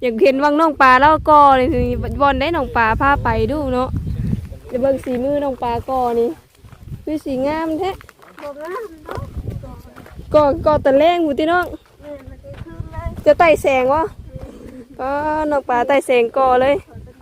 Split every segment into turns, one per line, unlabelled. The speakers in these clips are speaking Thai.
อยากเห็นวังน้องปลาแล้วก็นี่บอลได้น้องปลาพาไปดูเนาะจะเบิ่งสีมือน้องปลาก็นี่คือสีงามแท้ก็ตะแรงหูที่น้องจะไต่แสงวะก็น้องปลาไต่แสงก่อเลย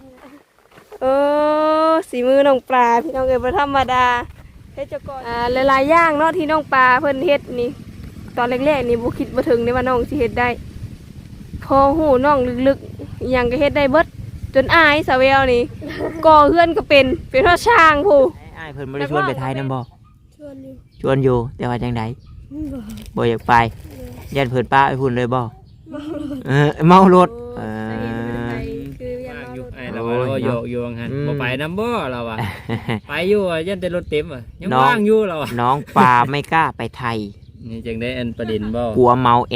สีมือน้องปลาพี่น้องเอ๋ยบ่ธรรมดาเฮ็ดจะก่อหลายๆอย่างเนาะที่น้องปลาเพิ่นเฮ็ดนี่ตอนแรกๆนี่บ่คิดบ่ถึงได้ว่าน้องสิเฮ็ดได้พอหูน้องลึกๆอย่างก็เฮ็ดได้เบิดจนอายสาวแววนี่ก่อเฮือนก็เป็นเพราะช่างผู้
อ้ายเพิ่นบ่ได้ชวนไปไทยนำบ่
ชวนอยู่
แต่ว่าจังได๋บ่อยากไปยันเพิ่นป้าไปพุ่นเลยบ่เมารถ
เราโยกโยงหันบ่ไปน้ำบ่เราอ่ะไปอยู่ยันแต่รถเต็มอ่ะยังว่างอยู่เรา
น้องปลาไม่กล้าไปไทย
นี่จังได้อันประเด็นบ่
กลัวเมาแอ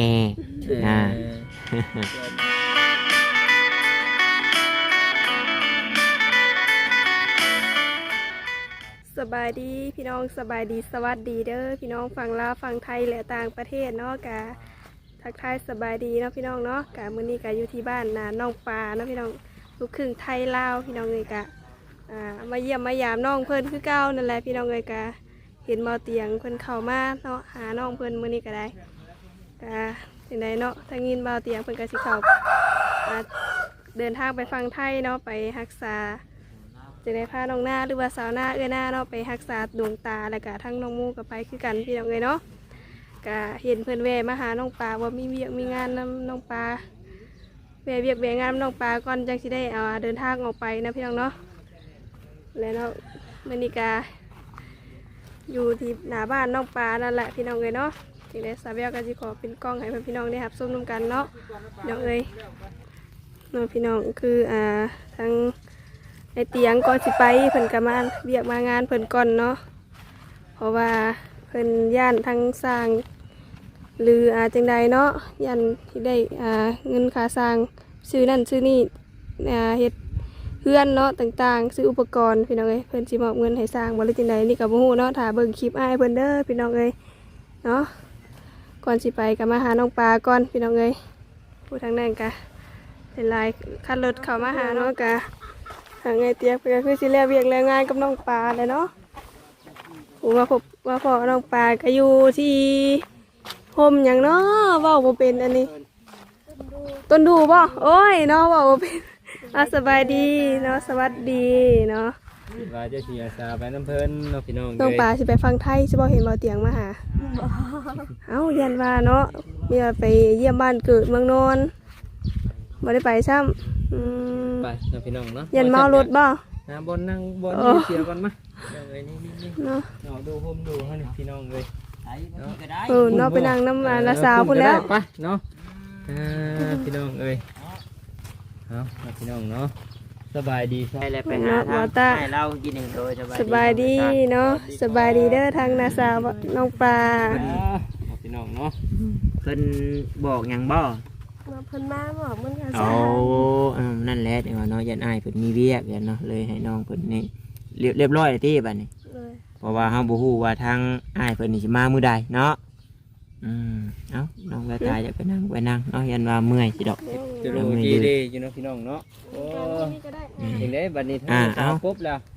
สบายดีพี่น้องสบายดีสวัสดีเด้อพี่น้องฝั่งลาวฝั่งไทยและต่างประเทศเนาะกะทักทายสบายดีเนาะพี่น้องเนาะกะมื้อนี้กะอยู่ที่บ้านน้องปลาเนาะพี่น้องลูกครึ่งไทยลาวพี่น้องเลยกะมาเยี่ยมมายามน้องเพิ่นคือเก่านั่นแหละพี่น้องเลยกะเห็นเมาเตียงเพิ่นเข้ามาเนาะหาน้องเพิ่นมื้อนี้ก็ได้กะจังไดเนาะทางยินเมาเตียงเพิ่นก็สิเข้าเดินทางไปฟังไทยเนาะไปรักษาจะได้พาน้องหน้าหรือว่าสาวหน้าหน้าเนาะไปรักษาดวงตาแล้วก็ทั้งน้องมูก็ไปคือกันพี่น้องเลยเนาะก็เห็นเพื่อนแวะมาหาน้องปลาว่ามีเวียกมีงานนำน้องปลาแวะเวียกแวะงานน้องปลาก่อนจังสิได้เดินทางออกไปนะพี่น้องเนาะแล้วเนาะมื้อนี้ก็อยู่ที่หน้าบ้านน้องปลานั่นแหละพี่น้องเลยเนาะที่ได้สาวแววก็สิขอเป็นกล้องให้พี่น้องได้รับชมร่วมกันเนาะน้องเอ้ยเนาะพี่น้องคือทั้งในเตียงก่อนสิไปเพิ่นก็มาเรียกมางานเพิ่นก่อนเนาะเพราะว่าเพิ่นย่านทั้งสร้างหรือจังใดเนาะย่านที่ได้เงินค่าสร้างซื้อนั่นซื้อนี่เฮ็ดเฮือนเนาะต่างๆซื้ออุปกรณ์พี่น้องเอ้ยเพิ่นสิมอบเงินให้สร้างบ่หรือจังใดนี่ก็บ่ฮู้เนาะถ้าเบิ่งคลิปอ้ายเพิ่นเด้อพี่น้องเอ้ยเนาะก่อนสิไปก็มาหาน้องปลาก่อนพี่น้องเอ้ยผู้ทางนั้นก็เป็นลายคันรถเข้ามาหาเนาะก็ทางไงเตียกไปก็คือสิแล้วเวียกแล้วงานกับน้องปลาเลยเนาะผมว่าพ่อน้องปลาก็อยู่ที่พมอย่างเนาะว่าบ่เป็นอันนี้ต้นดูบ่โอ้ยเนาะว่าบ่เป็นสบายดีเนาะสวัสดีเนาะ
ว่าจะสิอาสาไปน้ำเพิ่นเนาะพี่น้อง
น้องปลาสิไปฟังไทยสิบ่เห็นบ่เตียงมาหาเอ้ายันว่าเนาะมีว่าไปเยี่ยมบ้านเกิดเมืองนนท์บ่ได้ไปซ้ำ
ไปเนาะพี่น้องเนาะ
ยันเมารถบ่
บนนั่งบนเสียก่อนมาเนาะดูโฮมดูให้พี่น้องเลย
เนาะไปนั่งน้ำละสาวพุ่นแล้ว
ไปเนาะพี่น้องเอ้ยเอาพี่น้องเนาะสบายดี
ใช่แล้วไปหาทางให้เรากินเองโดย
สบายดีเนาะสบายดีเด้อทางนาสาวน้องปลา
พี่น้องเนาะ
เพิ่นบอกหยังบ่
เพิ่นมาบอกมันก็
นั่นแหละเดี๋ยวเนาะยันอ้ายเพิ่นมีเวียกยันเนาะเลยให้น้องเพิ่นนี่เรียบร้อยที่บัดนี้เพราะว่าเฮาบ่ฮู้ว่าทางอ้ายเพิ่นนี่สิมามื้อใดเนาะเอาน้องกระต่ายจะไปนั่งเนาะยันว่าเมื่อยสิดอก
จะรู้ดีดีอยู่เนาะพี่น้องเนาะโอ้ยังได้บัดนี้เอาปุ๊บแล้ว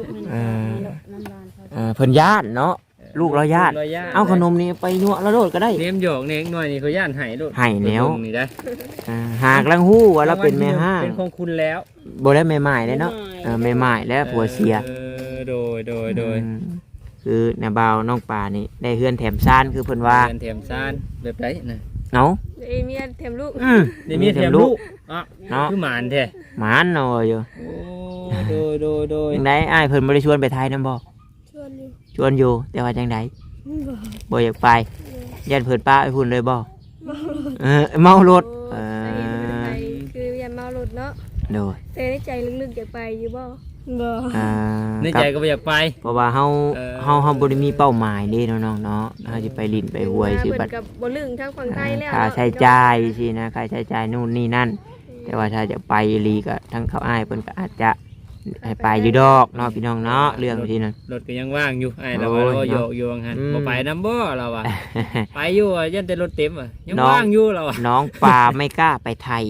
เพิ่นย่านเนาะลูกเราญาติเอาขนมนี่ไปนัวแล้วโดดก็ได้
เลี้ยงหยอกเลี้ยงหน่อยนี่เขาย่านไห้โดด
ไห้แล้ว
นี่ได้
หากลังหู้ว่าเราเป็นแม่ห้าง
เป็นของคุณแล้ว
บ่ได้แม่ใหม่เลยเนาะแม่ใหม่แล้วผัวเสีย
โดย
คือน้าบ่าวน้องปลานี่ได้เฮือนแถมซ่านคือเพิ่นว่า
เฮือนแถมซ่านแบบไรนะ
เนาะ
ได้เมียแถมลูก
ได้เมียแถมลูกคือหมานแท้
หมานเนาะอยู่
โดย
จังได๋อ้ายเพิ่นบ่ได้ชวนไปไทยนำบ่ชวนอยู่แต่ว่าจังไดบ่อยากไปยันเพิ่นป้าไปพุ่นเลยบ่เมารถ
คือยันเมารถเนาะ
โดย
แต่ในใจลึกๆอยากไปอยู่บ่
ในใจก็บ่อยากไป
เพราะว่าเฮาบ่ได้มีเป้าหมายเด้น้องๆเนาะเฮาสิไปลิ้นไปหวยสิบัด
กับบ่ลึงทางฝั่งไทยแล้ว
ค่าใช้จ่ายสินะค่าใช้จ่ายนู่นนี่นั่นแต่ว่าถ้าจะไปลีก็ทั้งเขาอ้ายเพิ่นก็อาจจะให้ไปอยู่ดอกเนาะพี่น้องเนาะเรื่องที่นั่น
รถก็ยังว่างอยู่ไอ้เราโยกอยู่หันบ่ไปน้ำบ่เราอ่ะไปอยู่ยันแต่รถเต็มอ่ะยังว่างอยู่เราอ่ะ
น้องปลาไม่กล้าไปไทย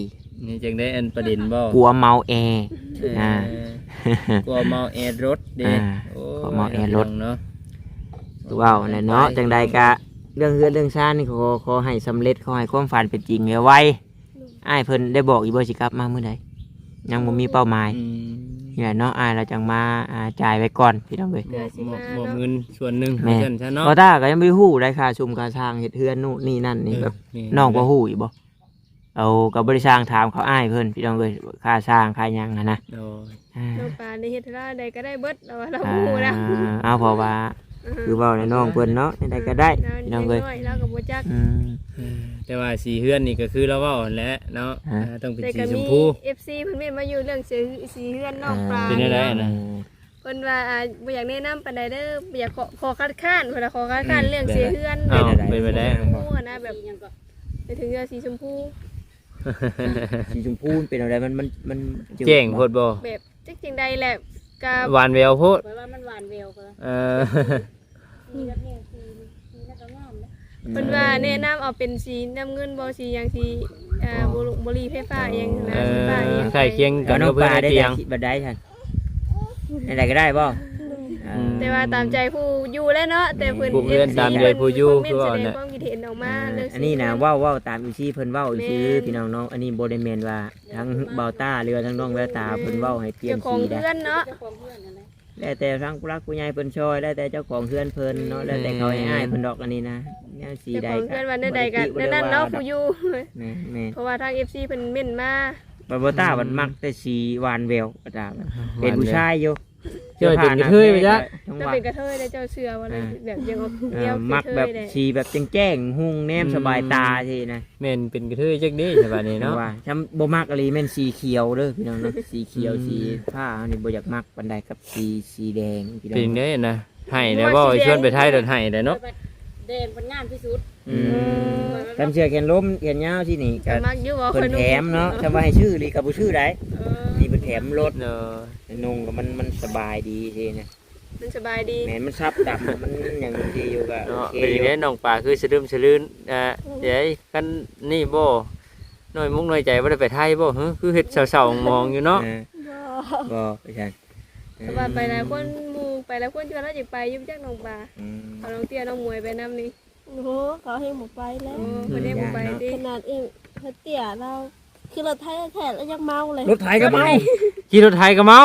นี่จึงได้อันประเด็นบ่
กลัวเมาแอร์
อ่ากลัวเมาแอร์รถเด้
กลัวเมาแอร์รถ
เนาะ
คือว่าแหละเนาะจังใดกะเรื่องเฮือนเรื่องซ่านนี่ขอให้สำเร็จขอให้ความฝันเป็นจริงไวๆอ้ายเพิ่นได้บอกอีบ่สิกลับมามื้อใดยังบ่มีเป้าหมาย
อืม
นี่แหละเนาะอ้ายเราจังมาจ่ายไว้ก่อนพี่น้องเอ้ย
หมอบเงินส่วนหนึ่ง
แม่
เพิ่นซะเนาะ
บ่ตาก็ยังบ่ฮู้ได้ค่าชุมค่าทางเฮ็ดเฮือนนู่นนี่นั่นนี่แบบ น้องบ่ฮู้อีกบ่เอากับบริษัทถามเขาอ้ายเพิ่นพี่น้องเอ้ยค่าสร้างค่าหยังหันนะ
โดย
อ่า
น้องปลาในเฮ็ดราใดก็ได้เบิดเราเราฮู้นะ
เอาเพราะว่าคือเว้าในน้องเพิ่นเนาะใดก็ได้พี่น้องเอ้ย
เราก็บ่จัก
อืม
แต่ว่าสีเฮือนนี่ก็คือเราเว้าแหละเนาะ
ฮะ
ต้องเป็น
แต่
สี
ก็
ช
มี
มพู
FC เพิ่นเม่นมาอยู่เรื่องสีเฮือนน้องปลา
เป็นอะไรนะ
เพิ่นว่าบ่อยากแนะนำปานใดเด้อบ่อยากขอคัดค้านเพิ่นว่าขอคัดค้านเรื่องสีเฮือน
อ้าวเป็นไปได้
ฮู้นะแบบไปถึงเรื่องสีชมพู
สีชมพูเป็นอะไรมัน
แจ้งโพดบ่
แบบจักจังใดแหละก็
หวานแววโพด
เพราะว่ามันหวานเวลเพิ่น
เออ
มีแบบนี้สีแล้วก็งามนะ
เพิ่นว่าแนะนำเอาเป็นสีน้ำเงินบ่สีหยังสีบุหรี่ไฟฟ้าอิหยังนะ
เอ
สีฟ้าอิห
อ
ยัง
ใกล้เคียง
กั
กับ น
น้อ
กั
ง
บเพื่
ป
อน
ลา
ใน
ได้
เตียง
บัดได้ท่านอะไรก็ได้บ่เออ
แต่ว่าตามใจผู้อยู่แล้วเนาะแต่เพิ่น
ผู้เพื่อนตามใจผู้อยู่คือว่า
แสดง
น่ะ
ความคิดเห็นออกมาเรื่อง
อันนี้นะเว้าตามอีซี่เพิ่นเว้าอีซื่อพี่น้องเนาะอันนี้บ่ได้แม่นว่าทั้งเบาต้าหรือว่าทั้งน้องแววตาเพิ่นเว้าให้เปลี่ยน
เจ้าของ
สีได้
เพื่อนเนาะ
เจ้าของเพื่อนนั่นแหละ
แล้วแต่ทั้งผู้รักผู้ใหญ่เพิ่นช่วยแล้วแต่เจ้าของเฮือนเพิ่นเนาะแล้วแต่เขาให้อ้ายเพิ่นดอกอันนี้นะแนวสี
เจ้า
ใด
ของ
ก็
เพื่อนว่าใดๆกันนั่นเนาะผู้อยู่
แม่แม่
เพราะว่าทาง FC เพิ่นเม่นมา
บ่ต้ามันมักแต่สีหวานแววบ่ต้ามันเป็นผู้ชายอยู่
เจ้าเป็นกระเทยไปจ้ะ
จังห
จะ
วะ
เป็นกระเทยได้เจ้าเชื่อว่าแบบยังเอาเดียว
มักแบบ
ได้
สีแบบแจ้งๆหุ่งแนมสบายตาทีนะ
แม่นเป็นกระเทยจักเด้ใช่ป่ะนี่
เนาะ
เนาะ
ว่าถ้าบ่มักอะไรแม่นสีเขียวเด้อพี่น้องเนาะสีเขียวสีผ้าอันนี้บ่อยากมักปานใดกับสีแดงพี่น้อ
เป็น
ง
ได้นะให้แล้วบ่ชวนไปไทยเดินให้ได้เนาะ
แดงเป็นงามที่สุด
ตามเชือกแขนล้มแขนยาวที่นี่ก็
มักอยู่ว่า
เพิ่นแถมเนาะถ้าว่าให้ชื่อลีก็บ่ชื่อได้นี่เพิ่นแถมรถ
เนาะ
นุ่งก็มันสบายดีทีนะ
มันสบายดี
แม่นมันซับดำมันหยังดีอยู่ก็
เนาะ
โอเค
เป็น
อยู่
ได้น้องป่าคือสะดึมสะลื่นเดี๋ยวกันนี่บ่น้อยมุกน้อยใจบ่ได้ไปไทยบ่คือเฮ็ดเศร้าๆมองอยู่เนาะ
บ่ไปใช่
สบายไปหลายคนหมู่ไปแล้วคนชวนเราจะไปยุ่งจักน้องปลาเอาน้องเตี้ยน้องมวยไปนํนี่
โอ้โหเขาให้หมูไปแล้ว
โอ้เพิ่นได้บ่ไปติ
ขนาดเองเพื่อเตี่ยเราคือเราไทยแท้แล้วยังเมาเลย
รถไถก็เมา
ขี่รถไทยก็เมา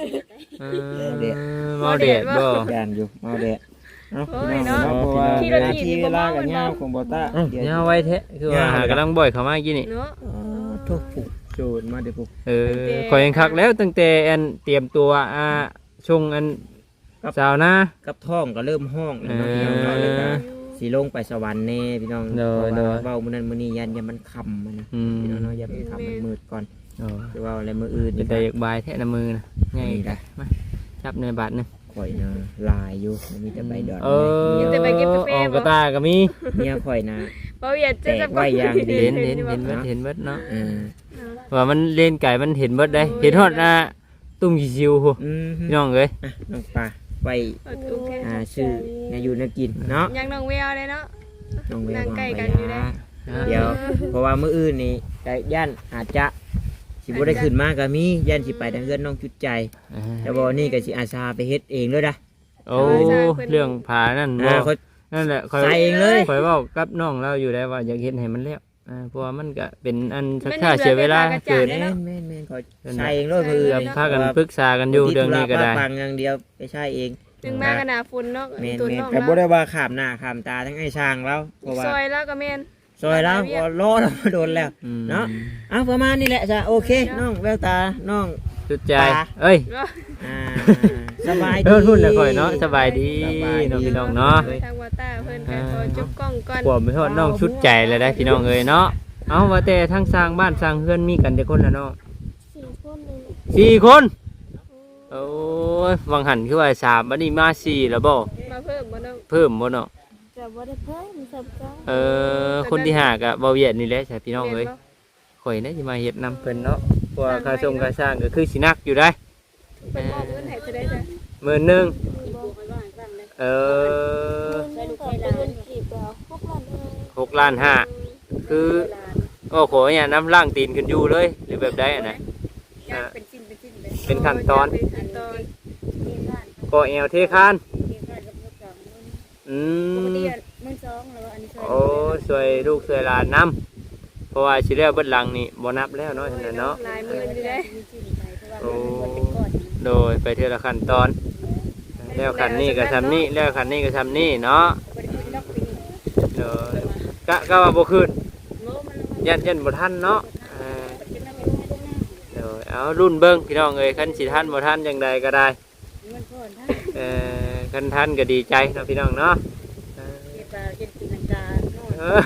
เมาเด็ดบ่
ย่านอยู่เมาแดด
โอ้ยเนาะ
เพราะว่า
ขี่รถถีบนี่บ่เมา
กับ
มัน
ยา
เมา
วของบ่ต้า
เนี่ยไว้แท้คือว่าหากำลังบ่อยเข้ามากี่นี่
เนาะ
ทุกผูกโจดมาเดี๋ยวผูก
ขอยยังคักแล้วตั้งแต่อันเตรียมตัวชงอันสาวนะ
กับท้องก็เริ่มห้องแล้วเนาะพี่น้องเนาะแล้วก็สิลงไปสวรรค์แน่พี่น้อง
เด้อ
เพราะ
เด้อ
ว่าเว้ามื้อนั้นมื้อนี้ยันมันค่ำมันนะพี่น้องเนาะอย่าไปค่ำมันมืดก่อนคือว่าอะไรมื้ออื่น
จะได้อยากบายแท้น้ำมือนะไง
นี่ได้
มาจับในบาทนึง
ข่อยนะลายอยู่มีแต่ใบดอน
ออกกระตาก็มี
เมียข่อยนะ
บ่เวียดจะ
แตกไว้อย่างดี
เห็นเบิดเนาะ
เออ
ว่ามันเล่นไก่มันเห็นเบิดได้เห็นฮอดตุ้งชิวๆหัว
อืม
พี่น้องเอ้ย
อ่ะน้องปลาไป
โอเค
ชื่อในอยู่ในกินเนาะ
ยังน้องแววเลยเนาะ
น้องเวล
นั่งใกล้กันอยู่ได้
เดี๋ยวเพราะว่ามื้ออื่นนี่ก็ย่านอาจจะสิบ่ได้ขึ้นมาก็มีย่านสิไปทางเฮือนน้องจุดใจ แต่บ่นี่ก็สิอาสาไปเฮ็ดเองเลยนะ
โอ้เรื่องผานั่นบ่
เขา
นั่นแหละ
ใส่เองเลย
คอยเว้ากับน้องเราอยู่ได้ว่าอยากเฮ็ดให้มันแล้วเพราะว่ามันก็เป็นอันสักค่าเสียเวลาเกิด
แม่นแม่นเขาใส่เองเลยมื้ออื่น
พากันปรึกษากันอยู่เรื่องนี้ก็ได้
ฟังอย่างเดียวไปใช้เอง
ถึงมากันหนาฝนเนาะ
แม่น
ตัว
แม่น
น้อง
ก็บ่ได้ว่าข้ามหน้าข้ามตาทั้งไอ้ช่างแล้วเพราะว่า
ซอยแล้วก็แม่น
ซอยแล้วก็รอเรามาโดนแล้ว เนาะ เอาประมาณนี้แหละจ้ะโอเคน้องแววตาน้อง
จุดใจเอ้ย
อ่าสบายดี
พูดแล้วค่อยเนาะสบายดีน้องพี่น้องเนาะ
ทางวาต้าเพิ่นก็ขอจุบกล้องก่อน
ขวบไปทอดน้องชุดใจเลยได้พี่น้องเอ้ยเนาะเอาว่าแต่ทั้งสร้างบ้านสร้างเฮือนมีกันแต่คนละเนาะ
4 คนเลย
4 คนโอ้ยวังหันคือว่า3บัดนี้มา4แล้วบ่
มาเพิ่มบ่น้อง
เพิ่มบ่เนาะ
จะบ่ได้เพิ่มสับกัน
คนที่5ก็บ่เวียดนี่แหละใช่พี่น้องเอ้ยข่อยน่าสิมาเฮ็ดนำเพิ่นเนาะเพราะว่าค่าส่งค่าสร้างก็คือสิหนักอยู่ได้
เพิ่นมอบเงินให้เท่าใดจ้ะ
มื้อนึง
ปลูกไว้บ้างตั้งเลย
เออ
ใช้ลูกไฟล้านกีบแล้ว6 ล้านเออ
6 ล้าน 5คือ
ลาน
โก็ขอเนี่ยน้ำล่างตีนขึ้นอยู่เลยหรือแบบใดอันไหน
ย่างเป็นชิ้นเป็นชิ้นเลย
เป็นขั้นตอน
เป็นขั้นตอน
ที่บ้าน
ก็เอวเทคาน
ที่บ้านกับลูกสองมื้อ
อื
ปก
ม
ติมื้อสองแล้วอันนี้ช่วย
โอ้สวยลูกสวยหลานน้ำเพราะว่าสิแล้วเบิดหลังนี่บ่นับแล้วเนาะฉะนั้นเนาะ
หลายหมื่นอยู่ได้
มีชิ้นไปเพราะว่ามันเป็นก้อน
โดยไปเทื่อละขั้นตอน แล้วขันนี้ก็ทำนี่แล้วขันนี้ก็ทำนี่เนาะ
บ่ได้คุยนอกปีนี้
โดยก็ว่าบ่ขึ้น
โลมันลง
ยันบ่ทันเนาะ
เป็นน้ำมันลงมา
โดยเอารุ่นเบิ่งพี่น้องเอ้ยคันสิทันบ่ทันจังใดก็ได้
มันก่อนถ้า
คันทันก็ดีใจเนาะพี่น้องเนาะ
เก็บเก็บตีลังกาโน่น
เออ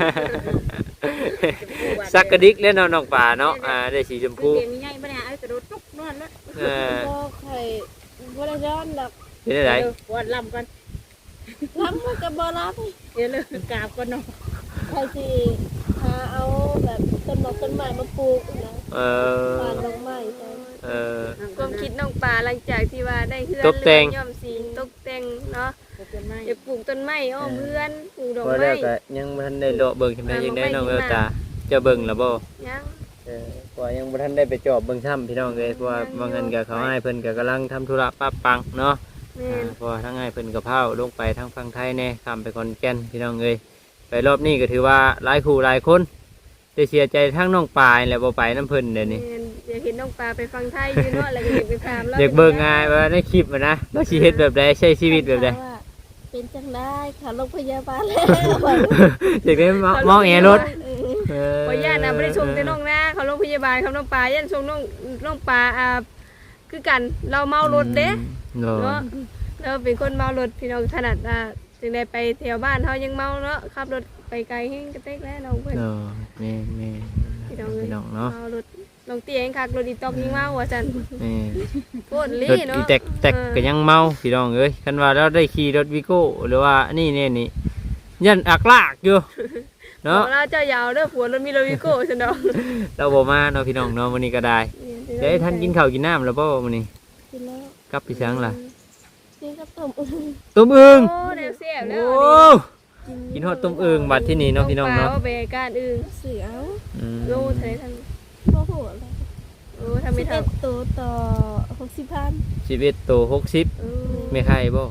สักกระดิกเล่นน้องป่าเนาะได้สีชมพู
เกมมีใหญ่บ่ได้เอากระโดดตุ๊กนอนละ
บ่เคยบ่ได้ย้อนดอก
เป็นอะไร
ปวดลำกัน
ล้ำมันก็บ่รับ
เดี๋ยวเลยกราบก่อนเนาะ
ใครสิหาเอาแบบต้นไม้ต้นไม้มาปลูกนะ
เออ
บ้านดอกไม้ใช่
เออ
ความคิดน้องปลาหลังจากที่ว่าได้เฮือน
ตกแต่ง
ย่อมสีตกแต่งเนาะ
ต้นไม้
จะปลูกต้นไม้อ้อมเฮือนปลูกดอก
พอ
ไม้
แล้วก็ยังบ่ทันได้เลาะเบิ่งจังไดยังได้น้องเอลตาจะเบิ่งล่ะบ่
ยัง
เพราะว่ายังบ่ทันได้ไปจอบเบิ่งถ้ำพี่น้องเลยเพราะว่าบางเงินกับเขาให้เพิ่นก็กำลังทำธุระป้าปังเนาะ
แม่น
เพราะว่าทั้งให้เพิ่นกับเผาลงไปทางฝั่งไทยแน่ข้ามไปขอนแก่นพี่น้องเลยไปรอบนี้ก็ถือว่าหลายคู่หลายคนได้เสียใจทั้งน้องปลายแหละบ่ไปน้ำเพิ่นเดี๋ยวนี้
แม่นอยากเห็นน้องปลาไปฟังไทยอยู่เนาะแล้วก็อยากไปถามแล้ว
อยากเบิ่งง่ายว่าในคลิปอะนะว่าสิเฮ็ดแบบใดใช้ชีวิตแบบใด
ว่าเป็นจังได้ค่ะโรงพยาบาลแล้ว
อยากได้มองแอร์รถ
ขออนุญาตนะไม่ได้ชมแต่น้องนะเขาโรงพยาบาลเขาน้องปลายันชมน้องปลาคือกันเราเมารถเด้
เนาะ
เนาะเราเป็นคนเมารถพี่น้องถนัดจึงได้ไปแถวบ้านเขายังเมาเนาะขับรถไปไกลแห้งกระเตกแล้วน้องเพื่อน
เนาะแม่
พี่น้องเลย
พี่น้องเนาะ
เมารถน้องเตี้ยเองคักรถอีตอกยิงเมาว่ะจัน
แม่
โคตร
ร
ลี่
ถ
เนาะ
อีแตกก็ยังเมาพี่น้องเอ้ยคันว่าเราได้ขี่รถวิโก้หรือว่านี่ยันอักลากอยู่
เนาะ
เนาะ
เราเจ้าอยาวเด้อผัวรถมีโรวิโก้ฉันดอก
เราบ่มาเนาะพี่น้องเนาะวันนี้ก็ได้เดี๋ยวให้ท่านกินข้าวกินน้ำแล้วบ่วันนี้
กินแล้ว
กลับไปช้างล่ะ
กินกับต้มอึ่ง
ต้มอึ่ง
โอ้แนวเสียบแล้ว
โอ้กินฮอดต้มอึ่งบัดที่นี่เนาะพี่น้องเนาะ
ปลไปการอื่น
เสือเอา
อืม
โลเท่าไหร่ท่าน
บ่ฮู้อะไร
โอ้ทำไม่ทัน
11ตัวต่อ60,000
11โต60ไม่ไข่บ่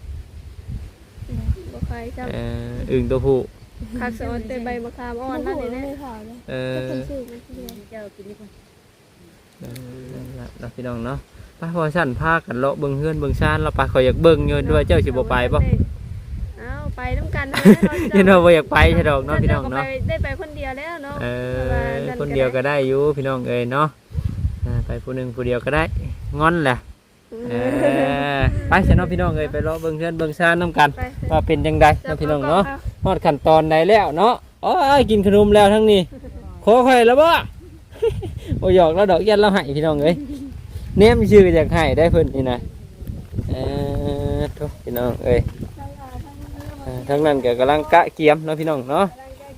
บ่ใครจำ
อึ่งตัวผู้
คักสอนเตใบมะขามอ่อนนั่นนี่นะ
ไม่ข่าวนะ
เออ
ก็คนซื้อมาทีเดียว
เจ้ากินดีกว่า
นั่นล่ะเนาะพี่น้องเนาะไปพอสั่นพากันเลาะเบิ่งเฮือนเบิ่งชานเราไปขอยอยากเบิ่งอยู่ด้วยเจ้าสิบ่ไปบ่
เอาไปน้ำกันนะ
เห็นว่าบ่อยากไปใช่ดอกเนาะพี่น้องเนาะ
ได้ไปคนเดียวแล้วเนาะ
คนเดียวก็ได้อยู่พี่น้องเอ้ยเนาะไปผู้หนึงผู้เดียวก็ได้งอนแหละไปเสียเนาะพี่น้องเอ้ยไปเลาะเบิ่งเฮือนเบิ่งชานนํกันว่าเป็นจังไดเนาะพี่น้องเนาะฮอดขั้นตอนใดแล้วเนาะอ๋อกินขนมแล้วทั้งนี้ขอค่อยแล้วบ่ บ่หยอกแล้วดอกยันเราให้พี่น้องเอ้ยเนมชื่ออยากให้ได้เพิ่นนี่นะทุกพี่น้องเอ้ยทั้งนั้นก็กำลังกะเกียมเนาะพี่น้องเนาะ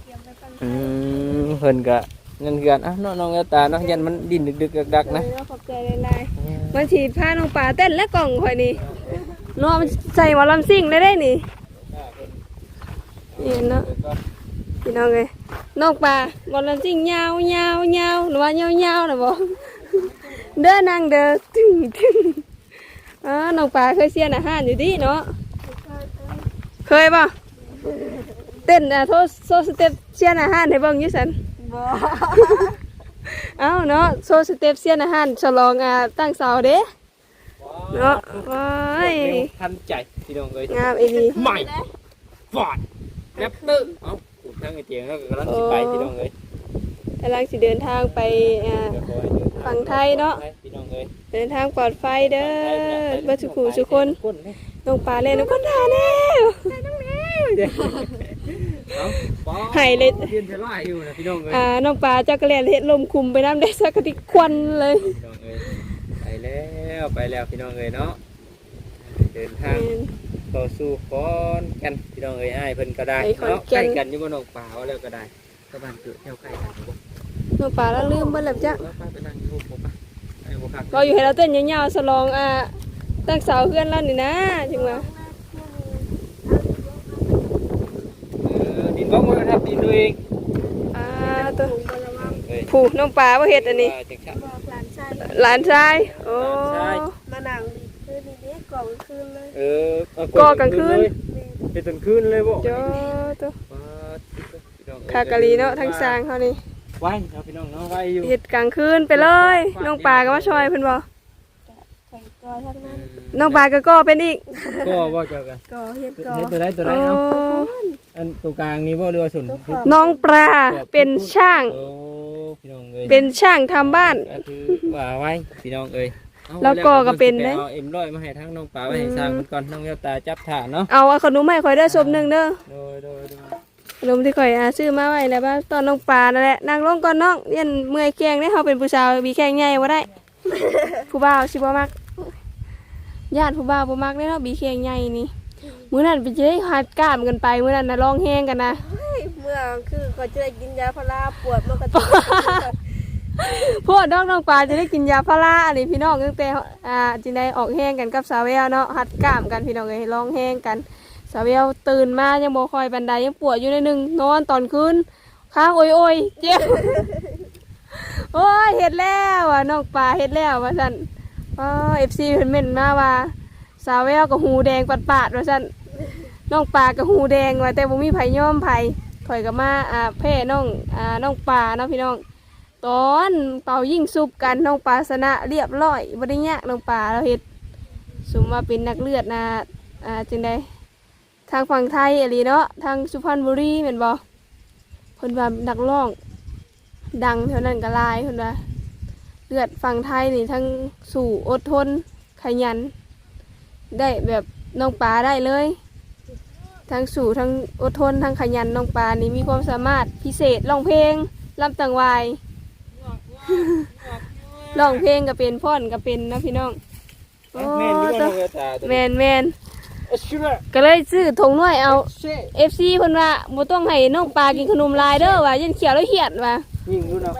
เพิ่นก็เงินเกือนอ่ะน้องแก้วตาเนาะยันมันดิ้นดึกๆดักๆนะ
ขอบใจหลายๆมันฉีดผ้าน้องปลาเต้นและกล่องข่อยนี่เนาะมันใส่หมอลำซิ่งได้นี่นี่เนาะพี่น้องเอ้ยน้องปลาหมอลำซิ่งยาวยาวยาวหรือว่ายาวยาวนะบอกเด้อนางเด้อตึ้งตึ้งน้องปลาเคยเสียนอาหารอยู่ดิเนาะเคยป่ะเต้นโซสเต็ปเสียนอาหารให้เบิ่งอยู่สัน
บ่
เอ้าเนาะโซสเต็ปเสียนอาหารฉลองตั้งเสาเด้เนาะว้าย
ทันใจพี่น้องเอ้ย
งามอีดี
ใหม่ฟอดแรปเตอร์เอ้าทางไอ้เตียงแล้วก็กำลังสิไปพี่น้องเอ้ย
กำลังสิเดินทางไปฝั่งไทยเนาะ
พี่น้องเอ้ย
เดินทางปลอดภัยเด้อบัสุขุสุคนน้องปลาเล่นน้องคนทาแน่หายเลย
เรียนจะไล่อยู่นะพี่น้องเอ้ย
น้องปลาจักรแลนเฮ็ดลมคุมไปน้ำได้สักกะติควันเลย
พี่น้องเอ้ยไปแล้วพี่น้องเอ้ยเนาะเดินทางต่อสู้ขอนแก่นพี่น้องเอ้ยอ้ายเพิ่นก็ได้เนาะใกล้กันอยู่บ่น้องป่าว่าแล้วก็ได้ก็บ้านเกิดแถวใกล้กันบ่
น้องปลาแล้วลืมเบิ่แล้วจ้ะ
ไปนั่งอยู่ผมป่ะไอ้บ่คัก
เราอยู่ให้เราเต้นยาวๆฉลองตั้งเสาเพื่อนเรานี่นะจริงว่า
ดินบ่มันทับดินตัวเอง
ตัว
ปรุงบ่
ผู้น้องปลาบ่เฮ็ดอันนี้
จังซั่น
บอกหลานชาย
หลานชายโอ้
หลานชาย
มานั่งคืนนี้กล่องคืนเลย
เออเอา
ก่อกลางคืน
เลยเป็นตอนคืนเลยบ่
เจ้าตัว
ปาดพี่น้อง
คากะลีเนาะทั้งสร้างเขานี่
ไว้เนาะพี่น้องเนาะไว้อยู่
เฮ็ดกลางคืนไปเลยน้องปลาก็มาช่วยเพิ่นบ่
ข่อยกอทั้งนั้น
น้องปลาก็เป็นอีก
ก็ว่าเจ้ากัน
กอเฮ็ดกอ
เฮ็ดตัวใดตัวใด
โอ้
เอาอันตรงกลางนี่บ่เรือว่าสุน
น้องปลาเป็นช่าง
โอ้พี่น้องเอ้ย
เป็นช่างทำบ้าน
ก็คือว่าไว้พี่น้องเอ้ยเอา
แล้วก็เป็นเด้
เอาเอ็มร้อยมาให้ทั้งน้องปลาไว้ให้สร้างมันก่อนน้องแววตาจับถ่านเนาะ
เอาขนมให้ข่อยเด้อศพหนึงเด้อ
โดย
ขนมที่ข่อยซื้อมาไว้แล้วว่าตอนน้องปลานั่นแหละนั่งลงก่อนน้องเรียนเมื่อยแข้งได้เฮาเป็นผู้สาวมีแข้งใหญ่บ่ได้ ผู้บ่าวสิบ่มักญาติผู้บ่าวบ่มักเด้เนาะมีแข้งใหญ่นี่มื้อนั้นไปจะได้หัดกล้ามกันไปมื้อนั้นน่ะร้องแฮงกันนะ
เมื่อคือก็จะได้กินยาพาราปวดมันก็จะ
พวกน้องปลาจะได้กินยาพาราอันนี้พี่น้องตั้งแต่จิได้ออกแฮงกันกับสาวแววเนาะหัดกล้ามกันพี่น้องเอ้ยร้องแฮงกันสาวแววตื่นมายังบ่ค่อยบันไดยังปวดอยู่ในนึงนอนตอนคืนค้างโอยเจ็บ โอ้ยเฮ็ดแล้วอ่ะน้องปลาเฮ็ดแล้วว่าซั่นFC เพิ่นเม่นมาว่าสาวแววก็หูแดงปาดๆว่าซั่นน้องปลาก็หูแดงว่าแต่บ่มีไผยอมไผข่อยก็มาแพ้น้องปลาเนาะพี่น้องตอนเป่ายิ่งซุบกันน้องปลาชนะเรียบร้อยบ่ได้ยากน้องปลาเราเฮ็ดสมว่าเป็นนักเลือดนะจังได๋ทางฝั่งไทยอะลีเนาะทางสุพรรณบุรีแม่นบ่เพิ่นว่านักร้องดังเท่านั้นก็หลายเพิ่นว่าเลือดฝั่งไทยนี่ทั้งสู่อดทนขยันได้แบบน้องปลาได้เลยทั้งสู่ทั้งอดทนทั้งขยันน้องปลานี่มีความสามารถพิเศษร้องเพลงลำต่างวาย ร้องเพลงก็เป็นพ่อนก็เป็นนะพี่น้องโอ้
แม่นอยู่บ่น้องแววตาตัว
แม
นี้
นแมน
เอาชิระ
ก็เลยซื้อถุงน้อยเอา
เช่
FC เพิ่นว่าบ่ต้องให้น้องปลากินขนมลายเด้อว่ายันเขียวแล้วเหียดว่า
ยิงดูเนาะ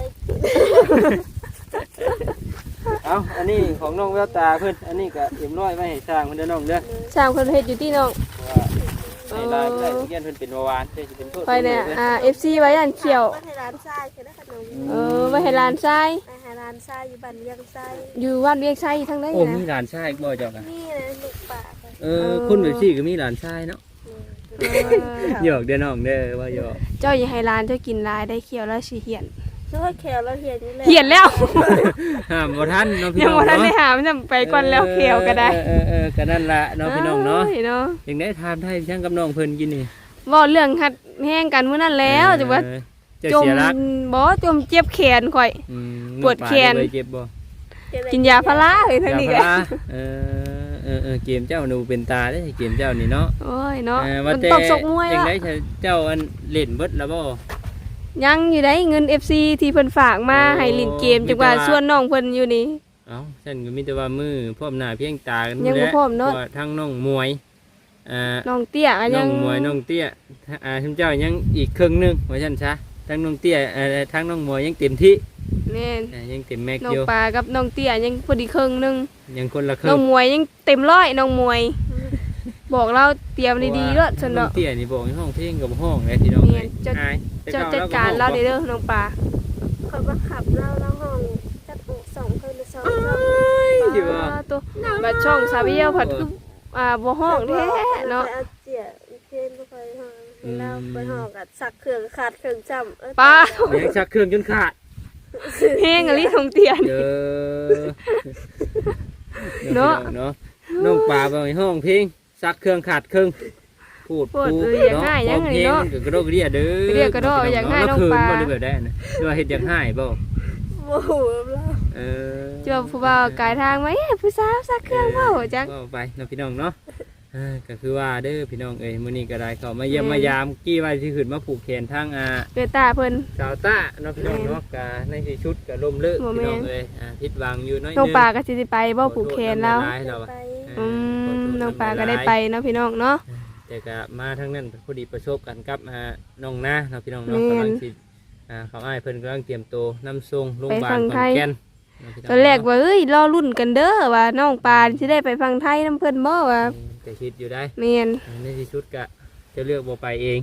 เอาอันนี้ของน้องแววตาเพิ่นอันนี้ก็เอ็มร้อยไว้ให้สร้างมันเด้อน้องเด้อ
สร้างเพิ่นเฮ็ดอยู่ที่น้อง
ว่าให้ลายได้เรียนเพิ่นเป็นเบาหวานเพิ่นสิเป็นโทษ
คอยเนี่ยFC ไว้ยันเขียว
มาให้ร้านทรายคือได้ขนม
ไว้ให้หลานชาย
มาให้ร้านทรายอยู่บ้านเลี้ยงทราย
อยู่วัดเวียงชัยทั้งนั้น
โอ้
นะ
มีหลานชายบ่เจ้ากัน
นี่นะลูกป่าค่ะ
คนแบบซี่ก็มีหลานชายเนาะ
เออ
หยอกเด้อน้องเด้อว่าหยอก
เจ้าอย่าให้หลานเจ้ากินหลายได้เขียวแล้วสิเหียน
นึกว่าแขวเราเห็นนี่แหละ
เหียนแล้ว
ห้ามบ่ทันเนาะพี่
ยัง
น้อง
บ่ทันได้
เนาะ
หามันจะไปก่อนแล้วเขียวก็ได้
ก็นั่นล่ะเนาะพี่น้องเนาะ
เนาะ
อย่างได้ทานไทยช่างกับน้องเพิ่นกินนี่
เว้าเรื่องหัดแห้งกันมื้อนั้นแล้วจังว่า
จะ
จม
เสียรัก
บ่จมเจ็บแขนข่อย ปวดแขน
น้องปลาได้เจ็บบ่
กินยาพาราเฮ้ยทั้งนี้
ยา
ก็
พาราเกมเจ้าหนูเป็นตาได้เกมเจ้านี่เนาะ
โอ้ยเนาะ
ว่า
มัน
แต่
ตบซกมวย
จัง
อ่ะ
ได้เจ้าอันเล่นเบิดแล้วบ่
ยังอยู่ได้เงิน FC ที่เพิ่นฝากมา
โอ้
ให้เล่นเกมจังว่าส่วนน้องเพิ่นอยู่นี่
เอ้าฉันก็มีแต่ว่ามือพร้อมหน้าเพียงตากัน
ยังบ่พร้อมเนาะ
ว่าทั้งน้องมวย
น้องเตี้ยก็
น้
ยั
อง งมวยน้องเตี้ยท่านเจ้ายังอีกครึ่งหนึงว่าซั่นซะทั้งน้องเตี้ยทั้งน้องมวยยังเต็มที่
แม่น
ยังเต็มแม็ก
น้อ
อง ยู่
ปลากับน้องเตี้ยยังพอดีครึ่งหนึง
ยังคนละครึ่
น้อง
ง
มวยยังเต็มร้อยน้องมวย บอกเราเตรียมดีๆเด้อซั่น
น้อ
เนาะ
งเตี้ยนี่บอกให้ห้องเพลงกับห้องเลยที่น้อง
เนี่
เลย ย
เจ้า
อายแต่
เจ้า
ก่
จัดการเรา
ก็
เด้อน้องปลา
เขาก็ขับเราห้องจัดอกสองเพิ่นสอง
อยู่ว่า
ตัวบัดช่องซาเบียผัดคือบ่ห้องแท้เนาะ
อาเจียเพนบ่ค่อยห้องเราไปห้องกับสักเครื่องขาดเครื่องจำ
ปลา
ยังชักเครื่องจนขาด
เพลงอะไรของเตียน
เด้อ
เนาะ
เนาะน้องป่าบอกให้ห้องเพลงซักเครื่องขาดเครื่องพูด
อยากให้ยังไงเนาะ
กระโดดกระเดียเด้อก
ระเดียกระโดดอยากให้น้องปลา
บ่ได้แบบได้นะหรือว่าเฮ็ดอยากให้บ่
โอ้โหเรา
เออ
เจ้าผู้บ่าวกายทางไหมผู้สาวสักเครื่องเว้าจัง
ก็ไปเนาะพี่น้องเนาะก็คือว่าเด้อพี่น้องเอ้ยมื้อนี้ก็ได้เข้ามาเยี่ยมมายามกี้ว่าสิขึ้นมาผูกแขนทาง
เกิดตาเพิ่น
สาวต้าเนาะพี่น้องเนาะก็ในที่ชุดก็ล่มเลิก
บ่
พี่
แม่น
น้องเอ้ยผิดหวังอยู่น้อย
น้อง
นึง
ปลาก็สิไปบ่ผูกแขนแล้ว
ขอโทษำลายเราอะ
ไป
น้องปลาก็ได้ไปเนาะพี่น้องเนาะ
แต่ก็มาทั้งนั้นพอดีประสบกันกับน้องนาเนาะพี่น้องเนาะ
แม่น
กำลังสิเขาอ้ายเพิ่นกำลังเตรียมตัวนำส่งโรงพยาบาล
ไปฝั่ง
ข
ไท
อน
ย
แก่นเนาะพี่น้อง
ตอนแรกว่าเอ้ยรอรุ่นกันเด้อว่าน้องปลาสิได้ไปฟังไทยน้ำเพิ่นบ่ว่า
แต่คิดอยู่ได้
แม่น
ในที่สุดก็จะเลือกบ่ไปเอง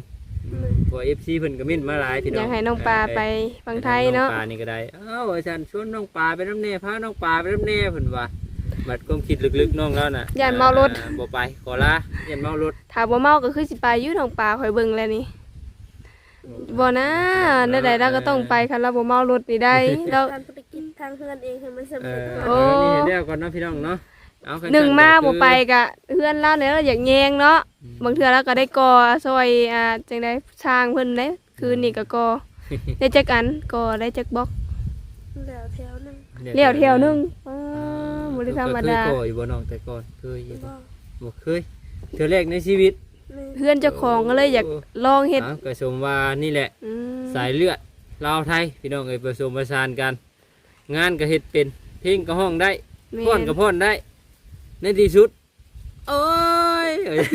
ตัว FC เพิ่นก็มิ้นมาหลายพี่น้อง
อยากให้น้องปลาไปฟังไทยเนาะ
น้องปลานี่ก็ได้เอ้าอาจารย์ชวนน้องปลาไปน้ำแน่พาน้องปลาไปน้ำแน่เพิ่นว่าบัดความคิดลึกๆน้องแล้วน่ะ
ย่านเมารถ
บ่ไปขอลาย่านเมารถ
ถ้าบ่เมาก็คือสิไปอยู่น้องปลาข่อยเบิ่งแล้วนี่บ่นะนั่นใดเราก็ต้องไปคันเราบ่เมารถนี่ได้แล้ว
การธุรกิจทางเฮือนเองให้มันสำ
เอ
เร็จ
อ
โอ้
นี่เดี๋ยวก่อนเนาะพี่น้องเนาะเอาคั
หนึ่งมาบ่ไป
คือ
กะเพื่อนเราเนี่ยเราอยากแยงเนาะบางเทื่อเราก็ได้กอซอยจังได๋ช่างเพิ่นเด้คืนนี้ก็กอได้จักอันกอได้จักบล็อก
แล้วแถวนึง
เลี้ยวแถวหนึงบ่ได้ธรรมดา
เคยก่ออยู่บ่น้องแต่ก่อนเคยอยู่
บ่
บ่เคยเทื่อแรกในชีวิต
เพื่อนเจ้าของก็เลยอยากลองเฮ็ด
อ้าวก็สมว่านี่แหละ
อืม
สายเลือดลาวไทยพี่น้องเอ้ยผสมผสานกัน งานก็เฮ็ดเป็นเพลงก็ห้องได้
แม่
พ่อนก็พ่อนได้ ในที่สุดโอ้ย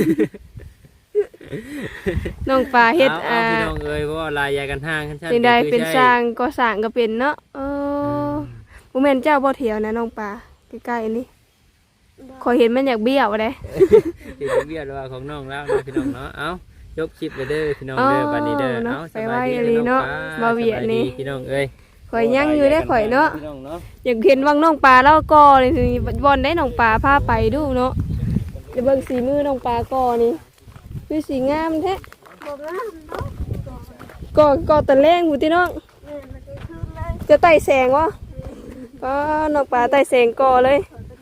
น้องปลาเฮ็ด
เอาพี่น้องเอ้ยเพราะว่าลายยากันห่างกันชั้น
จังได๋
คือ
เป็น
ใช่
สร้างก็สร้างก็เป็นเนาะบ่แม่นเจ้าบ่เถียวนะน้องปลาใกล้ๆนี่ขอยเห็นมันอยากเบี้ยวเด้
ที่เรียกว่าของน้องแล้วนะพี่น้องเนาะเอายกคลิปไปเด้อพี่น้องเด้อบัดนี้เด้อ
เนาะ
เอา
ไปไว้อีหลีเนาะบ่เวียดนี่
สบาดีพี่น้องเอ้ย
ข่อยยังอยู่ได้ข่อยเนาะ
พี่น้องเนาะ
อยากเห็นวังน้องปลาแล้วก็นี่สิบอลได้น้องปลาพาไปดูเนาะจะเบิ่งสีมือน้องปลาก่อนี่คือสีงามแท้
บ่งามเนาะ
ก่อตะแรงผู้ที่น้อง
แม่มันจะขึ้นเลย
จะไต่แสงวะก็น้องปลาไต่แสงก่อเลย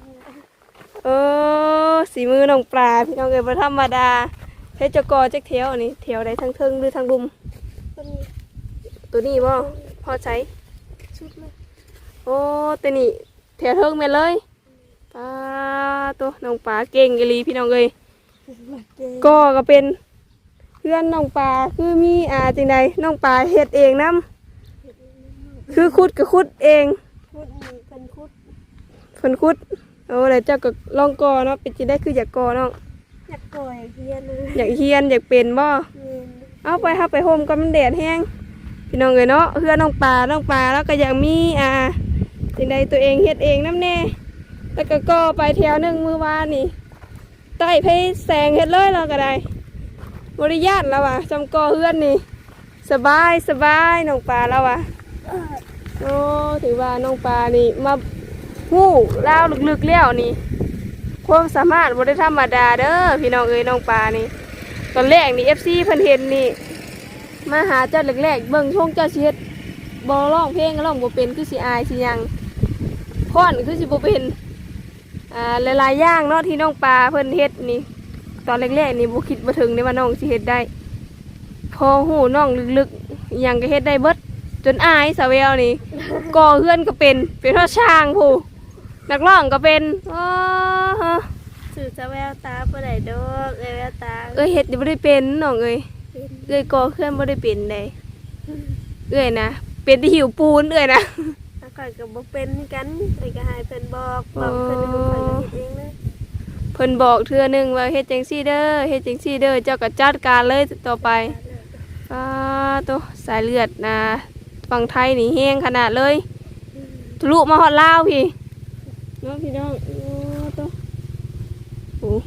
สีมือน้องปลาพี่น้องเอ้ยบ่ธรรมดาเฮ็ดจะก่อจักแถวนี่แถวใดทางเทิงหรือทางดุม
ตัวนี้
ตัวนี้บ่พอใช้
ชุดเลย
โอ้ตัวนี้แถวเทิงแม่นเลยปลาตัวน้องปลาเก่งอีหลีพี่น้องเอ้ย ก็เป็นเพื่อนน้องปลาคือมีจังใดน้องปลาเฮ็ดเองนำคือขุดก็ขุดเอง
คุดนี่เป็นคุด
เพิ่นขุดโอ้แล้วเจ้าก็ลองก่อเนาะเป็นสิได้คืออยากก่อน้อง
อยากก่อยเฮียนเลย
อยากเฮียนอยากเป็นบ่
แม่น
เอาไปเฮาไปโฮมก็มันแดดแฮงพี่น้องเอ้ยเนาะเพื่อนน้องปลาแล้วก็อยากมีจังใดตัวเองเฮ็ดเองนำแน่แล้วก็ก่อไปแถวหนึงมื้อวานนี่ใต้ไผแสงเฮ็ดเลยเราก็ได้บริญาตแล้วว่ะจำก่อเฮือนนี่สบายน้องปลาแล้วว่ะโอ้ถือว่าน้องปลานี่มาหู้เล่าวลึกๆแล้วนี่ความสามารถบ่ได้ธรรมดาเด้อพี่น้องเอ้ยน้องปลานี่ตอนแรกนี่ FC เพิ่นเห็นนี่มาหาเจ้าแรกๆเบิ่งช่วงเจ้าสิเฮ็ดบ่ร้องเพลงก็ร้องบ่เป็นคือสิอายสิหยังฟ้อนคือสิบ่เป็นหลายๆอย่างเนาะที่น้องปลาเพิ่นเฮ็ดนี่ตอนแรกๆนี่บ่คิดบ่ถึงได้ว่าน้องสิเฮ็ดได้พอหูน้องลึกๆอิหยังก็เฮ็ดได้เบิดจนอายสาวแววนี่ก่อเฮือนก็เป็นเท่าช่างผู้นักร้องก็เป็นฮะ
สื่อจะแววตาบ่ได้ดอกแววตา
เฮ็ดบ่ได้เป็นน้องเอ้ย
เป็น
ก่อเฮือนบ่ได้เป็นได้นะเป็นที่หิวปูนนะ
ถ้าข่อยก็บ่เป็นกันข่อยก็ให้เพิ่นบอกเพิ่นให้ข่อยก็เฮ็ดเองเลย
เพิ่นบอกเทื่อหนึงว่าเฮ็ดจังซี่เด้อเฮ็ดจังซี่เด้อเจ้าก็จัดการเลยต่อไปตัวสายเลือดนะฝั่งไทยนี่แห้งขนาดเลยทะลุมาฮอดลาวพี่น้องพี่น้องตัวโอ้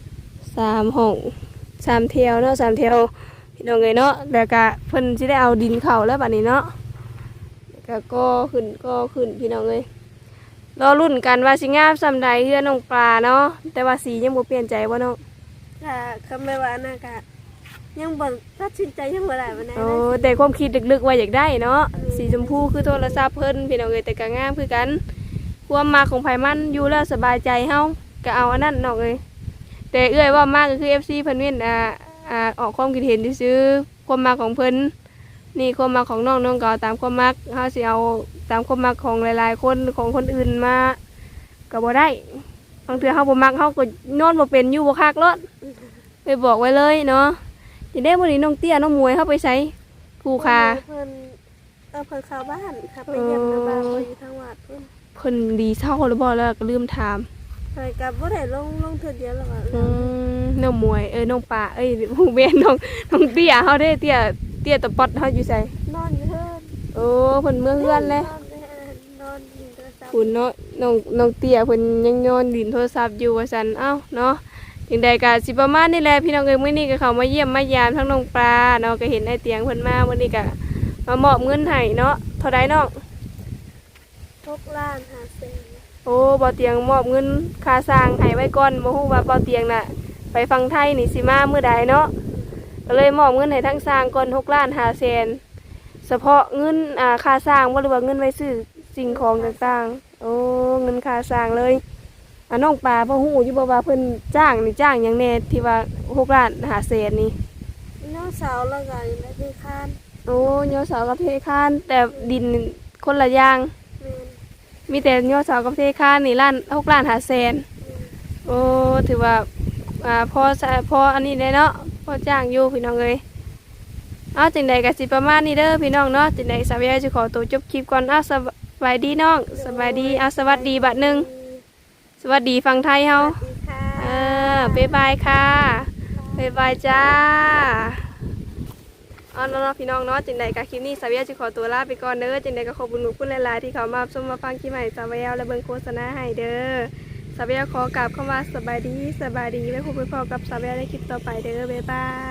3 ห้อง 3 แถวเนาะ3 แถวพี่น้องเอ้ยเนาะแล้วก็เพิ่นสิได้เอาดินเข้าแล้วบัดนี้เนาะแล้วก็ก่อขึ้นพี่น้องเอ้ยรอรุ่นกันว่าสิงามซำใดเฮือน้องปลาเนาะแต่ว่าสียังบ่เปลี่ยนใจบ่เนาะ
ถ้าคำไม่ว่านะก็ยังบ่ตัดสินใจยังบ่ได้ปานใด
โอ้
เลย
แต่ความคิดลึกๆว่าอยากได้เนาะสีชมพูคือโทรศัพท์เพิ่นพี่น้องเอ้ยแต่ก็งามคือกันความมาของไผมันอยู่แล้วสบายใจเฮาก็เอาอันนั้นน้องเอ้ยแต่เอื้อยว่ามากก็คือ FC เพิ่นเว้นออกความคิดเห็นซื่อๆความมาของเพิ่นนี่ความมาของน้องก็เอาตามความมักเฮาสิเอาตามความมักของหลายๆคนของคนอื่นมาก็บ่ได้บางเทื่อเฮาบ่มักเฮาก็นอนบ่เป็นอยู่บ่คักรถไปบอกไว้เลยเนาะสิได้มื้อนี้น้องเตี้ยน้องมวยเฮาไปไสผู้คา
เพิ่นเพิ่นเข้าบ้านครับไปเยี่ยมน้าบ้านเพิ่นอยู่ทางวัดเพิ่น
เพิ่นดีเศร้าหรือบ่แล้วก็ลืมถาม
ข่อยก็บ่ได้ลงเทื่อเดียวแล้วก็
น้องมวยน้องปลาผู้เบนน้องเตี้ยเฮาได้เตี้ยตะปอดเฮาอยู่ไส
นอนอยู่เพิ่น
โอ้เพิ่นเมื่อเฮือนเลย
นอนอยู่โทรศัพท์
คุณเนาะน้องเตี้ยเพิ่นยังนอนดินโทรศัพท์อยู่ว่าซั่นเอ้าเนาะจถึงใดก็สิประมาณนี้แหละพี่น้องเอ้ยมื้อนี้ก็เข้ามาเยี่ยมมายามทั้งน้องปลาเนาะก็เห็นไอ้เตียงเพิ่นมามื้อนี้ก็มามอบเงินให้เนาะเท่าใดน้อง
6,500,000
โอ้บ่เตียงมอบเงินค่าสร้างให้ไว้ก่อนบ่ฮู้ว่าบ่เตียงน่ะไปฟังไทยนี่สิมามื้อใดเนาะก็เลยมอบเงินให้ทั้งสร้างก่อน6,500,000เฉพาะเงินค่าสร้างบ่หรือว่าเงินไว้ซื้อสิ่งของต่างๆโอ้เงินค่าสร้างเลยน้องปลาบ่ฮู้อยู่บ่ว่าเพิ่นจ้างนี่จ้างหยังแน่ที่ว่า6,500,000นี่
น้องสาวแล้วก็อยู่ในที่คาน
โอ้ยอเสากับเทคานแต่ดินคนละอย่าง
แม่น
มีแต่ยอเสากับเทคานนี่6,500,000โอ้ถือว่าพออันนี้ได้เนาะพอจ้างอยู่พี่น้องเอ้ยเอาจังใดก็สิประมาณนี้เด้อพี่น้องเนาะจังใดสาวใยจะขอตัวจบคลิปก่อนเอาสบายดีน้องสบายดีเอาสวัสดีบัดหนึงสวัสดีฟังไทยเฮา
สวัสดีค่ะ
บ๊ายบายค่ะบ๊ายบายจ้าเอาเนาะพี่น้องเนาะจังใดก็คลิปนี้สาวใยจะขอตัวลาไปก่อนเด้อจังใดก็ขอบคุณหลายๆที่เขามาชมมาฟังคลิปใหม่สาวใยและเบิ่งโฆษณาให้เด้อสาวใยขอกราบเข้ามาสบายดีไว้พบกับสาวใยในคลิปต่อไปเด้อบ๊ายบาย